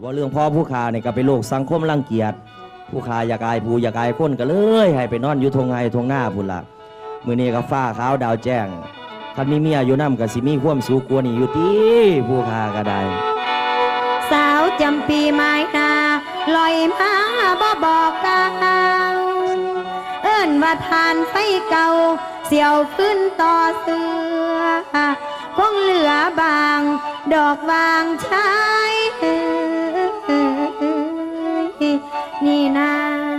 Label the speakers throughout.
Speaker 1: ว่าเรื่องพ่อผู้ขาเนี่ยก็เป็นโลกสังคมรังเกียจผู้ขาอยากอายผู้อยากอายคนก็เลยให้ไปนอนอยู่ทงไห้ทงหน้าพุ่นละมื้อนี้ก็ฟ้าขาวดาวแจ้งคันมีเมียอยู่นำก็สิมีความสุขกว่านี้อยู่ติผู้ขาก็ได้
Speaker 2: สาวจำปีไม้นาลอยมาบ่บอกกล่าวเอิ้นว่าทานไฟเก่าเสี่ยวขึ้นต่อเสือคงเหลือบางดอกวางชายนี่นา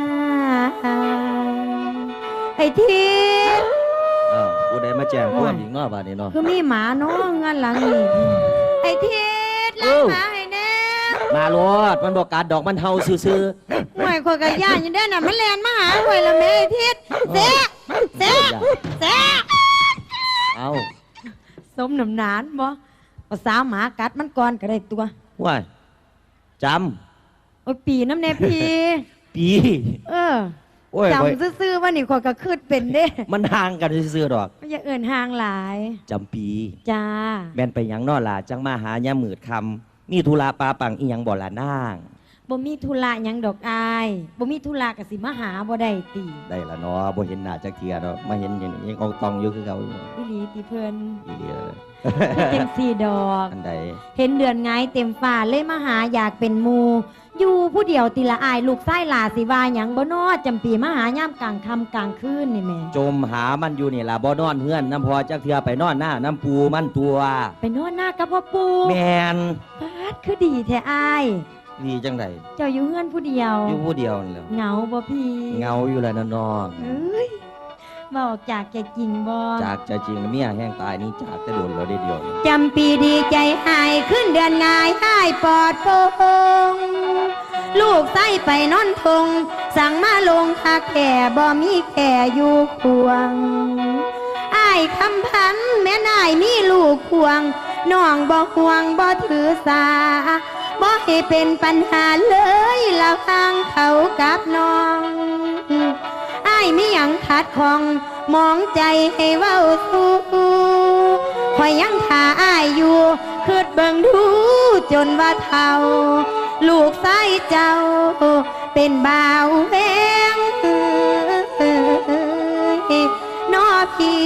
Speaker 2: ไอ้ที
Speaker 1: ผู้ใดมาแจ้งความอีกเนาะบาดนี้เนาะ
Speaker 2: คือมีหมาเนาะงานหลังนี่ไอ้ทีล้างหมาให้แน่
Speaker 1: มาโลดมันบอกการดอกมันเฮาซื่อ
Speaker 2: ๆห่วยคนกะย่านอยู่เด้อน่ะมันแล่นมาหาห่วยละแม่ไอ้ทีเสะ
Speaker 1: เอา
Speaker 2: สมน้ำหนานบ่เอาสาวหมากัดมันก่อนก็ได้ตัว
Speaker 1: ว้ายจ
Speaker 2: ำโอ้ยปีน้ำแน่ปีจำซื่อๆว่านี่คนก็คืดเป็นเด้
Speaker 1: มันห่างกันซื่อๆดอก
Speaker 2: อย่าเอิ่นห่างหลาย
Speaker 1: จำปี
Speaker 2: จ้า
Speaker 1: แม่นไปหยังนอล่ะจังมาหายามมืดคำมีธุระปาปังอีหยังบ่ล่ะนาง
Speaker 2: บ่มีธุระหยังดอกอายบ่มีธุระก็สิมาหาบ่ได้ติ
Speaker 1: ได้ละเนาะบ่เห็นหน้าจักเที่ยดอกมาเห็นอย่างนี้ยังอองตองอยู่คือเก่าอี
Speaker 2: หลีติเพิ่น
Speaker 1: อีหลี
Speaker 2: เต็ม4ดอก
Speaker 1: อันใด
Speaker 2: เห็นเดือนไงเต็มฟ้าเลยมาหาอยากเป็นหมู่อยู่ผู้เดียวติละอายลูกไส้หลาสิว่าหยังบ่นอจำปีมาหายามกลางค่ำกลางคืนนี่แม่
Speaker 1: จมหามันอยู่นี่ล่ะบ่นอนเฮือนน้ำพอจักเที่ยไปนอนหน้าน้ำปูมันตัว
Speaker 2: ไปนอนหน้ากับพ่อปู
Speaker 1: แม่น
Speaker 2: ปาดคือดีแท้อาย
Speaker 1: ดีจังได
Speaker 2: เจ้าอยู่เฮือนผู้เดียว
Speaker 1: อยู่ผู้เดียวนี่แหละ
Speaker 2: เหงาบ่พี่
Speaker 1: เหงาอยู่แล้วน้อง
Speaker 2: เอ้ยบอกจากใจจริงบ่
Speaker 1: จากใจจริงเมียแห้งตายนี่จากแต่โดนเราได้เดียว
Speaker 2: จำปีดีใจหายขึ้นเดือนงายหายปลอดโปร่งลูกไส้ไปนอนทงสั่งมาลงคักแก่บ่มีแก่อยู่ควงอ้ายคำพันแม่นายมีลูกควงน้องบ่ห่วงบ่ถือสาบ่ให้เป็นปัญหาเลยละฟังเขากับน้องอ้ายมีหยังขัดข้องมองใจให้เว้าสู้คอยยังท่าอ้ายอยู่คืดเบิ่งดูจนว่าเฒ่าลูกไส้เจ้าเป็นบ่าวแวงน้อพี่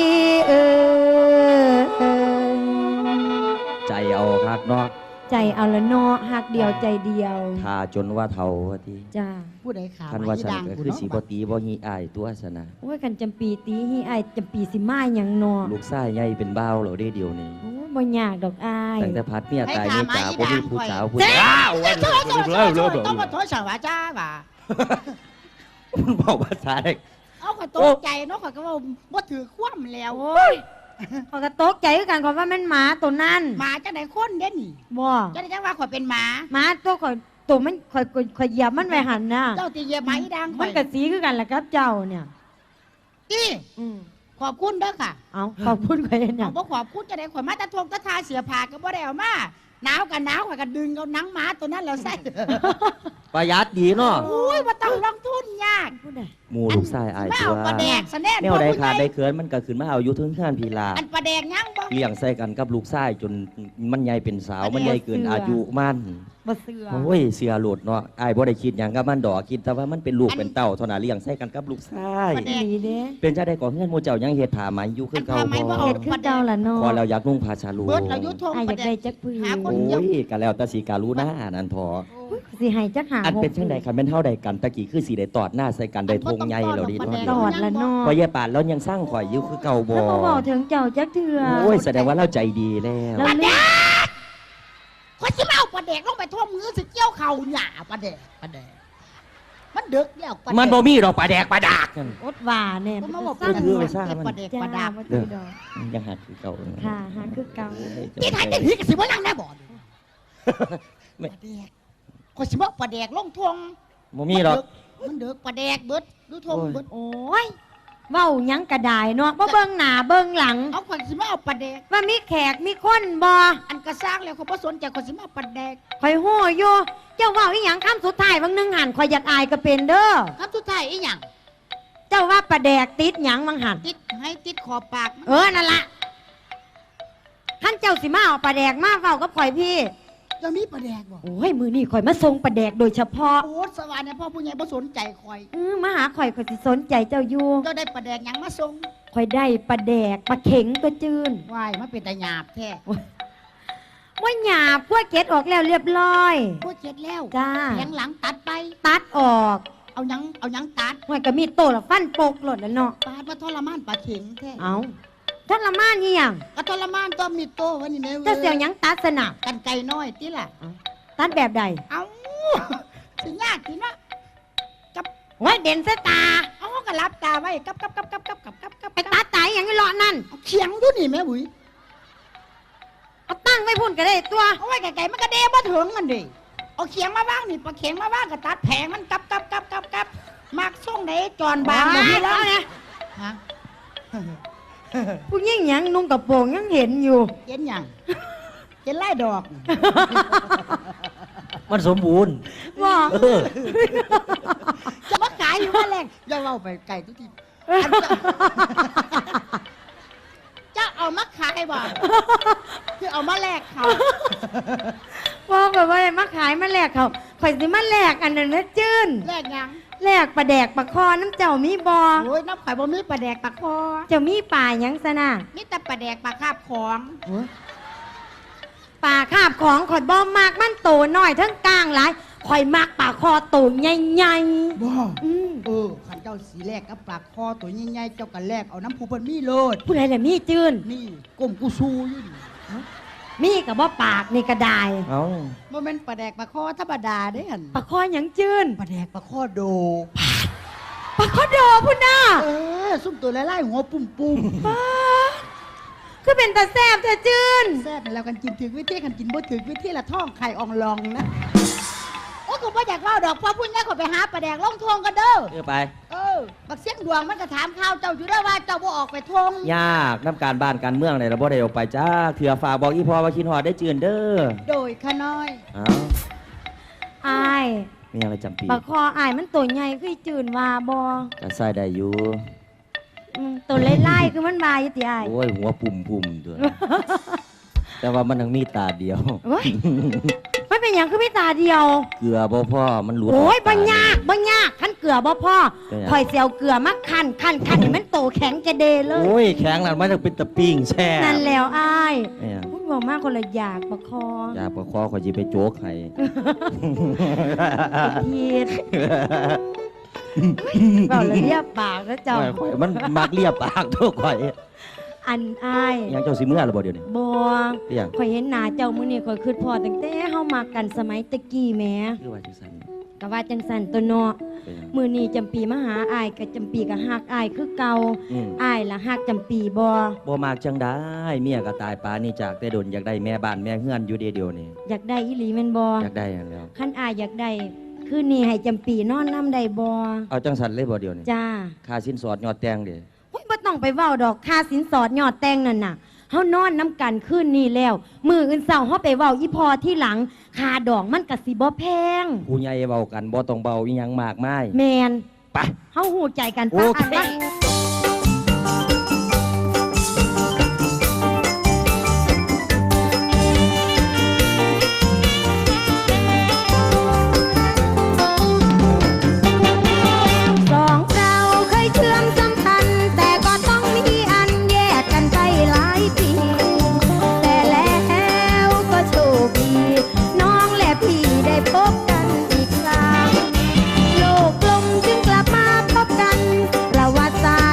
Speaker 1: ใจเอาคักเนาะ
Speaker 2: ใจเอาละเนาะหักเดียวใจเดียว
Speaker 1: ท่าจนว่าเฒ่าว่าติ
Speaker 2: จ้า
Speaker 3: ผู้ใดขา
Speaker 1: ท่านว่าฉันก็คือสิบ่ตีบ่ฮีอ้ายตัวซะนะ
Speaker 2: โอ้ยกันจำปีตีฮีอ้ายจำปีสิมาหยังเนาะ
Speaker 1: ลูกชายใหญ่เป็นบ่าวแล้วเด้เดียวนี้
Speaker 2: โอ้ยบ่ยากดอกอ้าย
Speaker 1: ตั้งแต่พัดเมียตายเมียจ๋าบ่มีผู้สาวผู้
Speaker 3: สาวต้องมาโทษสาวจ้าบ่า
Speaker 1: มันบอกภาษาเด็ก
Speaker 3: เอาก็ตกใจเนาะก็ว่าบ่ถือคว่ำแล้ว
Speaker 2: โอ้ยเขาก็ตกใจคือกันเขาว่ามันหมาตัวนั้น
Speaker 3: หมาจังได๋คนเด้นี่
Speaker 2: บ่
Speaker 3: จังได๋จังว่าข่อยเป็นหมา
Speaker 2: ตัวข่อยตัวมันข่อยเหยียบมันไว้หั่นน่ะ
Speaker 3: เจ้าสิเหยียบหมาอีดัง
Speaker 2: มันก็สีคือกันแหละครับเจ้าเนี่ย
Speaker 3: ขอบคุณเด้อค่ะ
Speaker 2: เอาขอบคุณข่อยเฮ็ดหยัง
Speaker 3: บ่ขอบคุณจังได๋ข่อยมาตะทงตะทาเสียผ้าก็บ่ได้เอามาหนาวก็หนาวข่อยก็ดึงเอาหนังหมาตัวนั้นแล้วใส่
Speaker 1: ประหยัดดีเนาะ
Speaker 3: โอ้ยบ่ต้องลงทุนยาก
Speaker 1: หมู่ลูกชายอายตัว
Speaker 3: ปลาแดกซะแน่
Speaker 1: แนวใดขาดได้เขินมันก็ขึ้นมาเอาอยู่ถึงงานพีลา
Speaker 3: อันปลาแดกยังบ่
Speaker 1: เลี้ยงใส่กันกับลูกชายจนมันใหญ่เป็นสาวมันใหญ่เกินอายุมัน
Speaker 2: บ่เสือ
Speaker 1: โอ้ยเสือโลดเนาะอ้ายบ่ได้คิดหยังกับมันดอกคิดแต่ว่ามันเป็นลูกเป็นเต้าเท่านั้นเลี้ยงใส่กันกับลูกชายเป็นจังได๋ก็เฮือนหมู่เจ้ายังเฮ็ดผ้าไหมอยู่คือเก่าบ่
Speaker 2: เฮ็ดคือเก่าล่ะเนาะ
Speaker 1: พอเราอยากนุ่งผ้าชาลู
Speaker 3: เบิดเราอยู่ทง
Speaker 2: อยากได้จักผืน
Speaker 1: โอ้ยก็แล้วแต่สิการูนะนั่นพอ
Speaker 2: สิให้จักหา
Speaker 1: อันเป็นจังได๋คันแม่นเฮาได้กันตะกี้คือสิได้ตอดหน้าใส่กันได้ทงใหญ่แล้วดิ
Speaker 2: ตอดละเนาะ
Speaker 1: พอยายปานแล้วยังสร้างข่อยอยู่คือเก่าบ่
Speaker 2: แล้วบ่เว้าถึงเจ้าจักเทื่อ
Speaker 1: โอ้ยแสดงว่าเราใจดีแล้ว
Speaker 3: ปลาแดกข่อยสิมาเอาปลาแดกลงไปท่วมมือสิเกี่ยวเข่าหญ้าปลาแดกมันดึกแล้ว
Speaker 1: มันบ่มีดอกปลาแดกปลาดาก
Speaker 2: อดว่าแน่
Speaker 3: มันบ่คือไปซ่ามันปลาแดกปลาดาก
Speaker 1: ยังหาคือเก่า
Speaker 2: ค่ะหาคือเก่า
Speaker 3: ที่ถ่ายแต่ผีก็สิบ่นั่งได้บ่ปลาแดกข่อยสิมาปลาแดกลงท่วง
Speaker 1: บ่มีดอก
Speaker 3: มันดึกปลาแดกเบิดดูท่วงเบิด
Speaker 2: โอ้ยเว้าหยังก็ได้เนาะบ่เบิ่งหน้าเบิ่งหลัง
Speaker 3: เอาข่อยสิมาเอาปลาแดก
Speaker 2: ว่ามีแขกมีคนบ่
Speaker 3: อันก็สร้างแล้วข่อยบ่สนใจข่อยสิมาปลาแดก
Speaker 2: ข่อยฮู้อยู่เจ้าเว้าอีหยังคำสุดท้ายบางนึงหันข่อยอยากอายก็เป็นเด้อ
Speaker 3: คำสุดท้ายอีหยัง
Speaker 2: เจ้าว่าปลาแดกติดหยังบางหัน
Speaker 3: ติดให้ติดขอบปาก
Speaker 2: นั่นล่ะท่านเจ้าสิมาเอาปลาแดกมาเว้ากับข่อยพี่
Speaker 3: จะมีประแดกบ่
Speaker 2: โอ้ยมือนี่ข่อยมาส่งปลาแดกโดยเฉพาะ
Speaker 3: โอ้สวรรค์เนี่ยพ่อผู้ใหญ่บ่สนใจคอย
Speaker 2: มาหาข่อยสิสนใจเจ้าอยู่
Speaker 3: เจ้าได้ประแดกหยังมาส่ง
Speaker 2: ข่อยได้ปลาแดกปลาเข็งตัวจืน
Speaker 3: วายมันเป็นตาหยาบแท้
Speaker 2: ว่าหยาบกล้วยเกล็ดออกแล้วเรียบร้อย
Speaker 3: พูดเสร็จแล้ว
Speaker 2: จ้า
Speaker 3: แผงหลังตัดไป
Speaker 2: ตัดออก
Speaker 3: เอาหยังตัด
Speaker 2: ห่วยก็มีโตละฟันปกหลดแล้วเนาะ
Speaker 3: ปาดมาทรมานปลาเข็งแท้
Speaker 2: เอาท่านละมานนี่ยัง
Speaker 3: ก็ทรมานต้องมีโตวะนี่แม่
Speaker 2: เจ้าเสียวหยังตัดสนะ
Speaker 3: กันไก่น้อยติล่ะ
Speaker 2: ตัดแบบใด
Speaker 3: เอาสิยากสินะ
Speaker 2: โอ้ยเด่นสตา
Speaker 3: เอาก็รับตาไว้กับ
Speaker 2: ไปตัดตายอย่างนี้เลาะนั่น
Speaker 3: เอาเขียงอยู่นี่แม่บุ๋ย
Speaker 2: เอาตั้งไว้พุ่นก็ได้ตัว
Speaker 3: เอาไว้ไก่ๆมันก็เดบ่ถึงกันดิเอาเขียงมาว่างนี่ปลาเข็งมาว่างก็ตัดแผงมันกับมากส่งไหนจอนบางบ่มีแล้ว
Speaker 2: เนี่ย
Speaker 3: ฮะ
Speaker 2: ผู้ยิ่งหยังนุ่งกระโปรงยังเห็นอยู่
Speaker 3: เห็นหยังเห็นไล่ดอก
Speaker 1: มันสมบูรณ์
Speaker 2: ว่า
Speaker 1: เออ
Speaker 3: จะมาขายอยู่ว่าแรงอย่าเล่าไปไก่ทุกทีอันจะเอามาขายบ่คือเอามาแลกเขา
Speaker 2: ว่าแบบว่ามาขายมาแลกเขาข่อยสิมาแลกอันนั้นนะจื้น
Speaker 3: แลกหยัง
Speaker 2: แลกปลาแดกปลาคอน้ำเจ้ามีบอ
Speaker 3: โอ้ยน้ำข่อยบ่มีปลาแดกปลาคอ
Speaker 2: เจ้ามีป่าหยังซะนะ
Speaker 3: มีแต่ปลาแดกปลาคาบของ
Speaker 2: ป่าคาบของข่อยบ่มากมันโตน้อยทั้งกลางหลายข่อยมักป่าคอโตใหญ่
Speaker 3: บ่
Speaker 2: ๆ
Speaker 3: ขันเจ้าสีแรกกับปลาคอตัวใหญ่ๆเจ้ากันแรกเอาน้ำผู้เพิ่นมีโลด
Speaker 2: ผู้ใดล่ะมีจื้น
Speaker 3: นี่ก้มกูซูอยู่นี่
Speaker 2: มีกับว่าปากนี่ก็ได้
Speaker 1: เอา
Speaker 3: บ่แม่นปลาแดกปลาคอธรรมดาเด้หั่น
Speaker 2: ปลาคอหยังจื้น
Speaker 3: ปลาแดกปลาคอโด
Speaker 2: ปลาคอโดพุ่นน่ะ
Speaker 3: ซุ่มตัวไล่ๆหัวปุ่ม
Speaker 2: ป้าคือเป็นตาแซ่บเธอจื้น
Speaker 3: ๆแซ่บแล้วกันกินถึงวิธีกันกินบ่ถึงวิธีละท้องไข่อองลองนะโอ้กูบ่อยากเล่าดอกเพราะพุ่นนี้ขอยไปหาปลาแดกลงทงกันเด้อ
Speaker 1: เออไป
Speaker 3: บักเสียงดวงมันก็ถามข่าวเจ้าอยู่เด้อว่าเจ้าบ่ออกไปทง
Speaker 1: ยากน้ำการบ้านการเมืองเนี่ยเราบ่ได้ออกไปจ้าเถื่อฝากบอกอีพอว่าคิดฮอดได้จืนเด้อ
Speaker 3: โดยขะน้อย
Speaker 1: เอา
Speaker 2: อาย
Speaker 1: มีอะไรจำปี
Speaker 2: ปลาคออายมันตัวใหญ่คือจื้นว่าบ่
Speaker 1: จะใส่ได้อยู่
Speaker 2: ตัวไล่ๆคือมันบายอยู่ติอาย
Speaker 1: โอ้ยหัวปุ่มตัว แต่ว่ามันยังมีตาเดียว
Speaker 2: โอ้ยมันเป็นหยังคือไม่ตาเดียว
Speaker 1: เกลือบ่พ่อมันหลุด
Speaker 2: โอ้ย
Speaker 1: ก
Speaker 2: บ่
Speaker 1: ตเดีวย
Speaker 2: ากบ่ยากขั้นเกลือบ่พ่อ
Speaker 1: เป็นหยัง
Speaker 2: ข่อยเสียวเกลือมาคั่นให้มันโตแข็งจะเดเลย
Speaker 1: โอ้ยแข็งแล้วมันจะเป็นตะปิ้งแช่
Speaker 2: นั่นแล้วอาย
Speaker 1: เนี่ย
Speaker 2: พูดบอกมากคนละอยากประคอ
Speaker 1: อยากประคอขอยจีไปโจ๊กให้
Speaker 2: พีดเบาเลยเรียบปากแล้วเจ้า
Speaker 1: โอ้ยข่อยมันมักเลียบปากทุกข่อย
Speaker 2: อันอาย
Speaker 1: ยังเจ้าสิเมื่อหรือบ่เดี๋ยวนี้
Speaker 2: บ่
Speaker 1: เรียง
Speaker 2: ข่อยเห็นหน้าเจ้ามื้อนี้ข่อยคิดพอตั้งแต่เฮามากันสมัยตะกี้แหม
Speaker 1: คือว่าจังซั่น
Speaker 2: ก็ว่าจังสั่นตัวเนาะ
Speaker 1: เป็นหยัง
Speaker 2: มื้อนี้จำปีมาหาอายก็จำปีก็ฮักอายคือเก่า
Speaker 1: อืม
Speaker 2: อายล่ะฮักจำปีบ่
Speaker 1: บ่มากจังได้เมียก็ตายปานนี่จากแต่โดนอยากได้แม่บ้านแม่เฮือนอยู่เดียวนี่
Speaker 2: อยากได้อีหลีแม่นบ่
Speaker 1: อยากได้อย่างแล้ว
Speaker 2: คันอายอยากได้คืนนี้ให้จำปีนอนน้ำได้บ่
Speaker 1: เอาจังสันเลยบ่เดียวนี่
Speaker 2: จ้า
Speaker 1: ค่าสินสอดยอดแต่งเด้
Speaker 2: โอ้ยบ่ต้องไปเว้าดอกค่าสินสอดยอดแต่งนั่นน่ะเฮานอนน้ำกันคืนนี้แล้ว มื้ออื่นเช้าเฮาไปเว้าอีพอที่หลังค่าดอกมันก็สิบ่แพง
Speaker 1: ผู้ใหญ่เว้ากันบ่ต้องเบาอีหยังมากมาย
Speaker 2: แม่น
Speaker 1: ไป
Speaker 2: เฮาฮู้ใจกัน
Speaker 1: โอ
Speaker 2: ปะ
Speaker 1: เค
Speaker 2: อันว่า สองเราเคยเชื่อมสัมพันธ์แต่ก็ต้องมีอันแยกกันไปหลายปี แต่แล้วก็โชคดีน้องและพี่ได้พบกันอีกครั้งโลกกลมจึงกลับมาพบกันประวัติศาส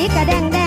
Speaker 2: กระแดงแด